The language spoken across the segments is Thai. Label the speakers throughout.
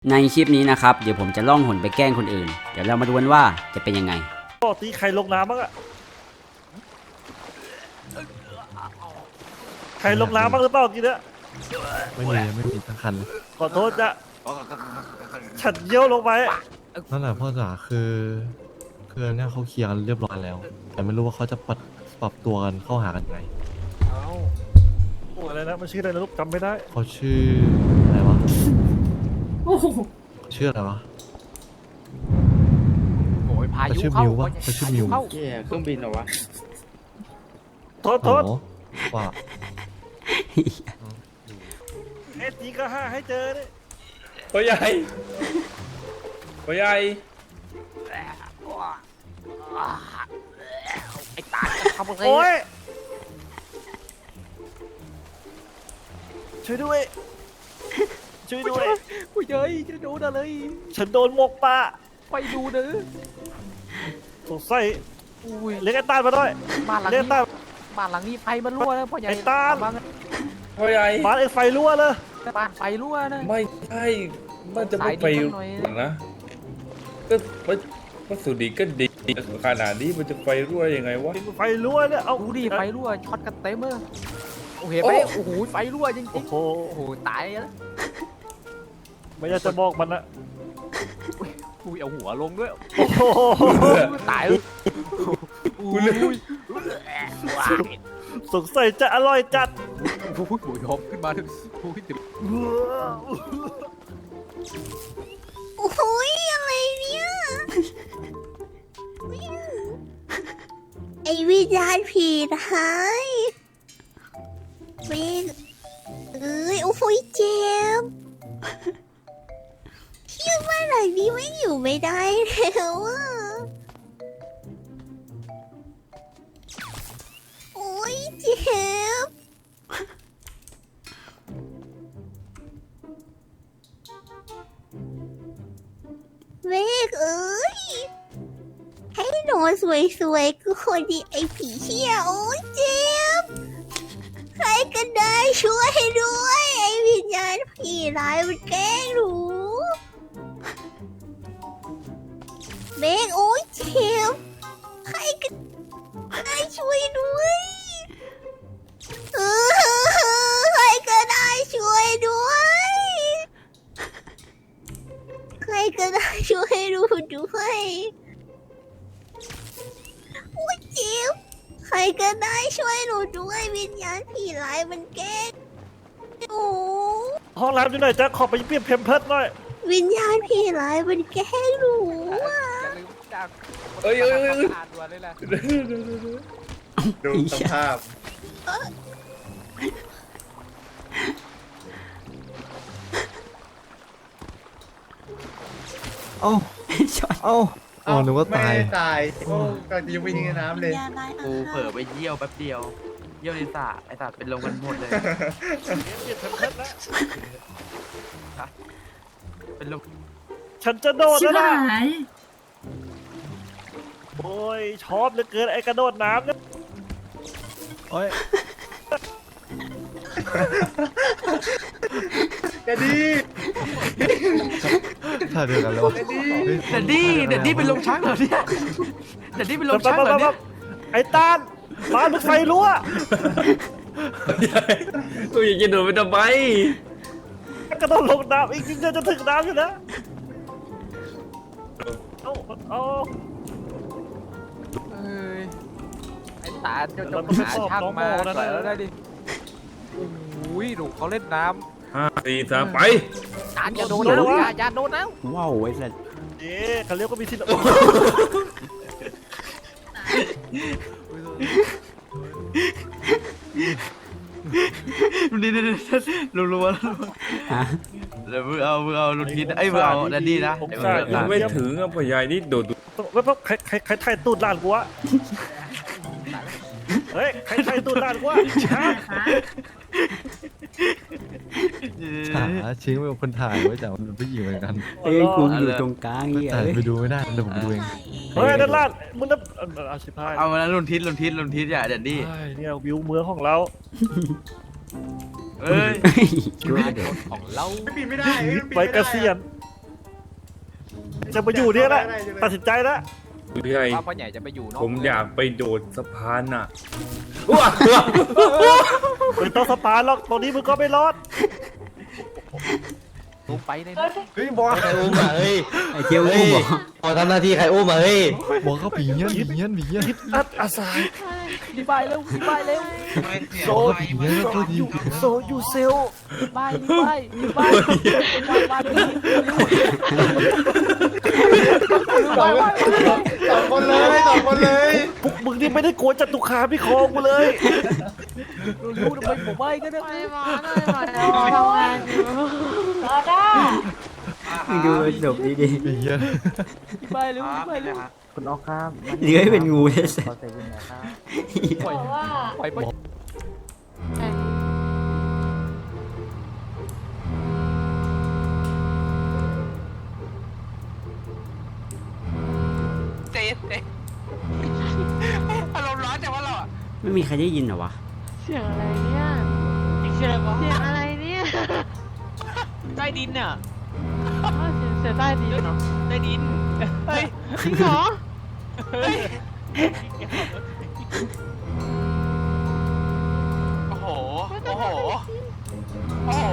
Speaker 1: ในคลิปนี้นะครับเดี๋ยวผมจะล่องหนไปแกล้งคนอื่นเดี๋ยวเรามาดูกันว่าจะเป็นยังไง
Speaker 2: ก็ตีใครลงน้ำบ้างอะใครลงน้ำบ้างหรือเปล่ากินเนี่ย
Speaker 3: ไม่มีทั้งคันเลย
Speaker 2: ขอโทษจ้ะฉันเยี่ยวลงไป
Speaker 3: นั่นแหละพ่อจ๋าคือเนี่ยเขาเคลียร์กันเรียบร้อยแล้ว แต่ไม่รู้ว่าเขาจะปรับตัวกันเข้าหากันไง
Speaker 2: เอ้าโอ้อะไรนะมันชื่ออะไรนะลูกจำไม่ได้
Speaker 3: เขาชื่ออะไรวะ
Speaker 4: โอ้โห
Speaker 3: ชื่ออะไรวะ
Speaker 5: โอ้ยพา
Speaker 3: เขา
Speaker 5: ยุ
Speaker 3: ชื่อ
Speaker 5: เข้า
Speaker 3: มิววะเขาชื่อมิว
Speaker 5: เข้า
Speaker 6: เหี้ยเครื่องบินเหรอวะ
Speaker 2: โทษโทษ
Speaker 3: โอ้โหว่า
Speaker 2: เอตีก็ห้าให้เจอเนี่ย
Speaker 6: พ่อใหญ่พ่อใหญ่
Speaker 5: ไอ้ตาจะทำอะไร
Speaker 2: โอ้ยช่วยด้วยช่วยด้วย
Speaker 5: กูเย้ยจะโดนอะไร
Speaker 2: ฉันโดนหมกปลา
Speaker 5: ไปดูเด้อ
Speaker 2: สงสัย
Speaker 5: อุ้ย
Speaker 2: เรียกไอ้ตานมาด้วย
Speaker 5: บ้านหลัง
Speaker 2: เรียก
Speaker 5: นี้
Speaker 2: ตาน
Speaker 5: บ้านหลังนี้ไฟมันรั่วนะพ่อใหญ่
Speaker 2: ไอ้ตาล
Speaker 5: บ้าน
Speaker 6: พ่อใหญ่
Speaker 2: บ้านไอ้ไฟรั่วเลย
Speaker 5: บ้านไฟรั่วนะ
Speaker 6: ไม่ใช่มันจะไม่ไป
Speaker 5: สายดีสักหน่อย
Speaker 6: นะก็วัสดุดีก็ดีขนาดนี้มันจะไฟรั่วยังไงวะ
Speaker 2: ไฟรั่วเนี่ยเอา
Speaker 5: ดูดิไฟรั่วช็อตกันเต็มเลยโอ้เห็นไหมโอ้โหไฟรั่วจริ
Speaker 2: โอ้
Speaker 5: ง
Speaker 2: โห
Speaker 5: ๆโอ้โหตายแล้ว
Speaker 2: ไม่อยากจะบอกมันนะ
Speaker 5: อุ้ยเอาหัวลงด้วย
Speaker 2: โอ้โห
Speaker 5: ตายเลยอุ้ย
Speaker 2: สงสัยจะอร่อยจัด
Speaker 5: โอ้ยหัวยอมขึ้นมาถึงโอ้ยถึง
Speaker 4: โอ้โหอะไรเนี่ยไอวิญญาณผีร้ายเวนเอ้ยโอ้โหเจ็บเที่ยว่าหลังนี้ไม่อยู่ไม่ได้แล้วอ่ะโอ้ยเจ็บเมฆเอ้ยให้นอนสวยๆก็คนดีไอ้ผีเชี่ยโอ้ยเจ็บใครก็ได้ช่วยด้วยไอ้วิญญาณผีร้ายมันแกล้งหนูเมฆโอ้ยเจ็บใครก็ได้ช่วยด้วยเออใครก็ได้ช่วยด้วยใครก็ได้ช่วยดูด้วยโอ้ยเจ็บใครก็ได้ช่วยหนูด้วยวิญญาณผีร้ายมันแกล้งหนู
Speaker 2: ห้องน้ำอยู่ไหนจ๊ะขอไปเปลี่ยนเพมเพิร์ดหน่อย
Speaker 4: วิญญาณผีร้ายมันแกล้งหนูอ่ะ
Speaker 5: อย่าลืมจาก
Speaker 6: เอ้ย
Speaker 5: อ่านด่วนเลยแหละ
Speaker 1: ดูสภาพ
Speaker 3: เอ้า
Speaker 1: ช็อต
Speaker 3: เอ้าโอ้นึกว่าตาย
Speaker 7: ตายโอ้กำลังจะยังไปทิ้งในน้ำเลย
Speaker 4: วิญญาณร้าย
Speaker 6: กูเผลอไปเยี่ยวแป๊บเดียว เยี่ยวในสระไอสระเป็นลมกันหมดเลย
Speaker 2: เปลี่ยนเพมเพิร์ดแล้ว
Speaker 6: เป็นลม
Speaker 2: ฉันจะโดด
Speaker 4: ชิบ
Speaker 2: แล้วนะ
Speaker 4: หาย
Speaker 2: โอ้ยชอบเหลือเกินไอ้กระโดดน้ำเนี่ย
Speaker 3: โอ้ย
Speaker 7: กระดี
Speaker 3: ถ่ายเดียวกันแล้ววะ
Speaker 6: เดดดี้เป็นลมชักเหรอเนี่ยเดดดี้เป็นลมชักเหรอเนี่ย
Speaker 2: ไอ้ตานบ้านมันไฟรั่ว
Speaker 6: กูอยากจะโดดไปทำไม
Speaker 2: กระโดดลงน้ำอีกนิดเดียวจะถึงน้ำอยู่นะเอา
Speaker 5: เอ้ยไอ้ตาเจ้าจงหาช่างมาปล่อยแล้วได้ดิโอ้ยหนูเขาเล่นน้
Speaker 6: 5 4 3ไป
Speaker 5: ำตาอย่าโดนนะอย่าโดนนะ
Speaker 1: ว้าวไอ้สัส
Speaker 2: เอ๊ะเขาเรียกว่ามีที่
Speaker 6: นี่รัว
Speaker 1: ฮะ
Speaker 6: เดี๋ยวมึงเอาลุนทิศไอ้มึงเอาแดดดี้นะ
Speaker 2: ยังไม่ถึงอ่ะพ่อใหญ่นี่โดดแล้วใครถ่ายตูดหลานกูวะเฮ้ยใครถ่ายตูดหลานกูวะฮะ
Speaker 3: หาชิ้นเป็นคนถ่ายไว้แต่มันเป็นผู้หญิงเหมือนกัน
Speaker 1: เอ้ยกูอยู่ตรงกลางเหี้ย
Speaker 3: แต่
Speaker 1: เอ้ย
Speaker 3: ไปดูไม่ได้เดี๋ยวผมดูเอง
Speaker 2: เฮ้ยนั่นหลานมึงนั่นอาชิพาย
Speaker 6: เอามาแล้วลุนทิศอย่าแดดดี้
Speaker 2: เนี่ยวิวเมืองของเรา
Speaker 6: เอ้ย
Speaker 1: กูว่าเดี๋ยว
Speaker 5: ของเรา
Speaker 7: บินไม่ได้เอ้ยบิน
Speaker 2: ไป
Speaker 7: ไม่
Speaker 2: เก
Speaker 7: ได้
Speaker 2: ษียณจะมาอยู่เนี่ยแหละตัดสินใจแล้ว
Speaker 6: พี่ใหญ่
Speaker 5: ว่าพ่อใหญ่จะไปอยู่นอก
Speaker 6: ผมอยากไปโดดสะพานน่ะ
Speaker 2: ไม่ต้องสปาร์หรอกตอนนี้มึงก็ไม่รอด
Speaker 5: ลงไปใน
Speaker 7: เฮ้ยบอส
Speaker 8: ใครอุ้มอ่ะเฮ้ย
Speaker 1: ไอ้เจียวอุ้มเหรอ
Speaker 8: พอทำหน้าที่ใครอุ้มอ่ะเฮ้ย
Speaker 3: บอกเขาผีเงี้ยผีเงี้ยผีเงี้ย
Speaker 2: อัดอาสาย
Speaker 5: ดีบายเร็วดีบายเร็ว
Speaker 2: โซ
Speaker 3: ผีเงี้ยก็ดี
Speaker 2: โซยูเซล
Speaker 5: ดีบายดีบายดีบายวัน
Speaker 7: สองคนเลยสองคนเลย
Speaker 2: พวกมึงนี่ไม่ได้โกนจตุคามที่คอกูเลย
Speaker 5: รู้ทำไมผมไม่ก็ได้
Speaker 1: มึงดูจบดี
Speaker 3: ผีเงี้ย
Speaker 5: ดีบายเร็วดีบายเร็ว
Speaker 1: ๆเลื้อยเป็นงูเลยสิ
Speaker 5: ปล่อยปล่อยปล่อยเจ๊อารมณ์ร้อนแต่ว่าเราอ่ะ
Speaker 1: ไม่มีใครได้ยินเหรอวะ
Speaker 9: เสียงอะไรเนี่ย
Speaker 5: เชื่อว่า
Speaker 9: เสียงอะไรเนี่ย
Speaker 5: ใต้ดินอ่ะ
Speaker 9: อ้าวเสียงใต้ดินเหรอ
Speaker 5: ใต้ดินเฮ้ย
Speaker 9: จริงเหรอ
Speaker 5: เฮ้ยโอ้โหโอ้โหโอ้โห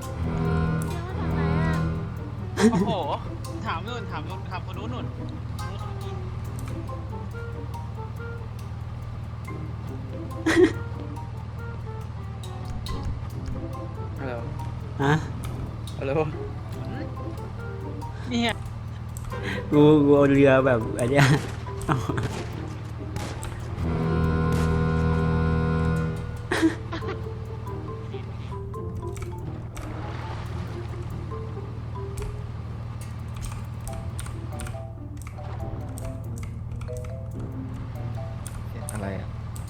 Speaker 5: โอ้โหถามนู่นถามคนนู้นนู่น
Speaker 1: ฮะ
Speaker 6: อะไรวะ
Speaker 5: เนี่ย
Speaker 1: กูเอาเรือแบบอันเนี้ยเอา
Speaker 8: อะไรอ่ะ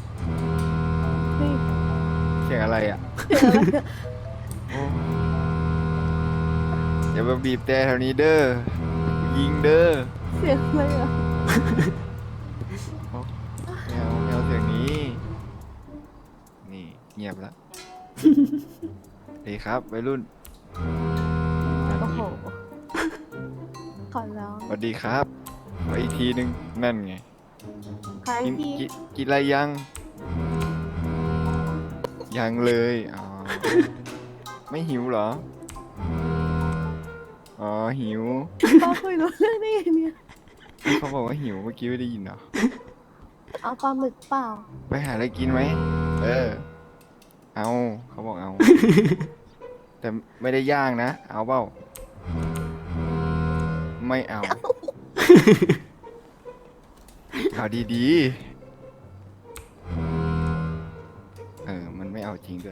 Speaker 8: เสียงอะไรอ่ะโอ้อย่ามาบีบแต่แถวนี้เด้อ ยิงเด้อ
Speaker 9: เสียงอะไรอ่ะ
Speaker 8: โอ้ไม่เอาเสียงนี้ นี่เงียบแล้ว ดีครับวัยรุ่น
Speaker 9: โอ้โหขอร้อง
Speaker 8: สวัสดีครับไปอีกทีนึงนั่นไง
Speaker 9: ใคร
Speaker 8: กิน
Speaker 9: พี่
Speaker 8: กินอะไรยัง ยังเลยอ๋อ ไม่หิวเหรอ อ๋อหิว
Speaker 9: ป้าคุยรู้เรื่องได้ไงเนี่ย
Speaker 8: เขาบอกว่าหิวเมื่อกี้ไม่ได้ยินเหรอ
Speaker 9: เอาปลาหมึกเปล่า
Speaker 8: ไปหาอะไรกินไหม เออ เอาเขาบอกเอา แต่ไม่ได้ย่างนะ เอาเปล่า ไม่เอา เอาดีๆ มันไม่เอาจริงด้วย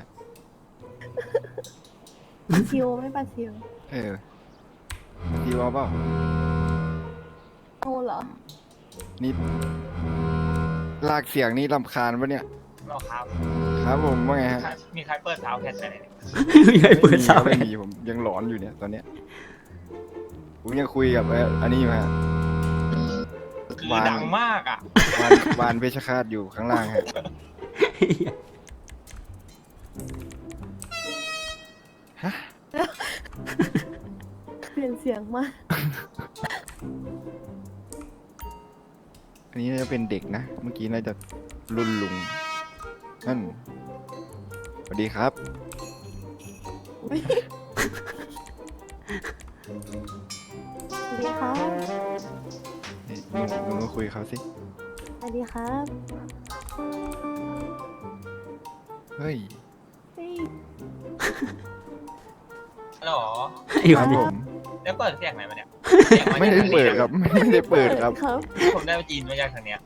Speaker 9: ชิวไม่ปลาชิว
Speaker 8: ดีว่าเปล่า
Speaker 9: เอาเหรอ
Speaker 8: นี่ลากเสียงนี่รำคาญปะเนี่ย
Speaker 5: รอครับ
Speaker 8: ครับผมว่าไงฮะ
Speaker 5: มีใครเปิดสาวแคทอะไรเนี่ย
Speaker 1: ไม่เคยเปิดสาว
Speaker 8: ไม่มีผมยังหลอนอยู่เนี่ยตอนเนี้ย ผมยังคุยกับอันนี้อยู่ฮะ
Speaker 5: คือดังมากอ่ะ
Speaker 8: วานเพชรฆาตอยู่ข้างล่างฮะ ฮะ
Speaker 9: เปลี่ยนเสียงมาก
Speaker 8: อันนี้น่าจะเป็นเด็กนะ เมื่อกี้น่าจะรุ่นลุง นั่น สวัสดีครับ
Speaker 9: สวัสดีครับ
Speaker 8: ลุงก็คุยกับเขาสิ
Speaker 9: สวัสดีครับ
Speaker 8: เฮ้ย
Speaker 9: เฮ้ย
Speaker 5: หรอ
Speaker 1: ไอ้
Speaker 8: ค
Speaker 1: วั
Speaker 8: รั
Speaker 1: น
Speaker 8: บ
Speaker 1: นี้
Speaker 8: ผม
Speaker 5: แล้วเปิดเสียงไหนมาเนี่ย
Speaker 8: ไม่ได้เปิดครับ ไม่ได้เปิดครับ
Speaker 9: ครับ
Speaker 5: ผมได้ไปจีนมาจากทางเนี้ย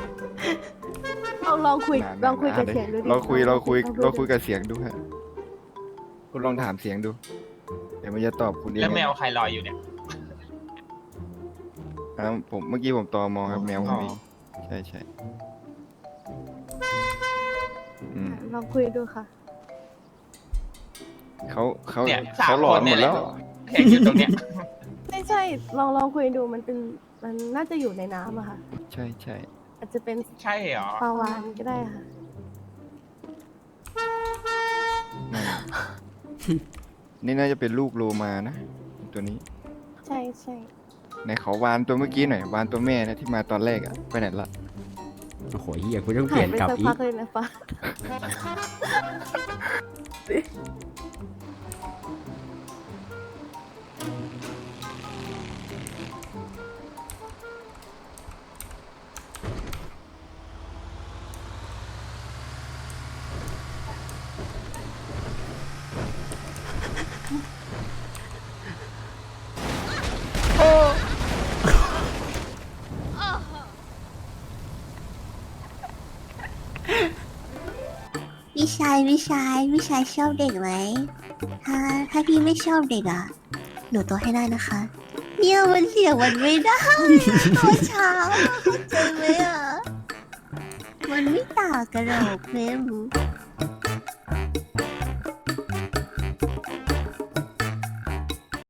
Speaker 9: ลองคุย
Speaker 8: นานๆ
Speaker 9: ลองคุยกับเสียงดูดิ
Speaker 8: เราคุย
Speaker 9: ลองคุย
Speaker 8: กับเสียงดูฮะ คุณลองถามเสียงดู เดี๋ยวมันจะตอบคุณเอง
Speaker 5: แล้วแมวใครลอยอยู่เนี่ย
Speaker 8: ผมเมื่อกี้ผมตอมองครับแมวผมเองใช่ใช่อืม
Speaker 9: ลองคุยดูค่ะ
Speaker 8: เขา
Speaker 5: เนี่ยสาม
Speaker 8: เขาหลอน
Speaker 5: คน
Speaker 8: ห
Speaker 5: เนี่
Speaker 8: ม
Speaker 5: ย
Speaker 8: ดแล้ว
Speaker 5: แข่งอยู่ตรงเนี้ย
Speaker 9: ไม่ใช่ ลองคุยดูมันเป็น มันน่าจะอยู่ในน้ำอะค่ะ
Speaker 8: ใช่ใช่
Speaker 9: อาจจะเป็น
Speaker 5: ใช่เหรอ
Speaker 9: ปลาวานก็ได้ค่ะ
Speaker 8: นั่น นี่น่าจะเป็นลูกโลมานะ ตัวนี้
Speaker 9: ใช่ใช่
Speaker 8: ไหนขอวานตัวเมื่อกี้หน่อยวานตัวแม่นะที่มาตอนแรกอะไปไหนละ
Speaker 1: โอ้โหเฮียกูต้องเป
Speaker 9: หา
Speaker 1: ลี่
Speaker 9: ย
Speaker 1: ยน
Speaker 9: ไป
Speaker 1: กลับ
Speaker 9: สัก
Speaker 1: อี
Speaker 9: พั
Speaker 1: ก
Speaker 9: กเลยนะฟ้า
Speaker 4: วิชายชอบเด็กไหมถ้าพี่ไม่ชอบเด็กอ่ะ หนูตัวให้ได้นะคะ เนี่ยมันเสียงมันไม่ได้ตัวเช้าเข้าใจไหมอ่ะ มันไม่ต่างกันหรอกเมม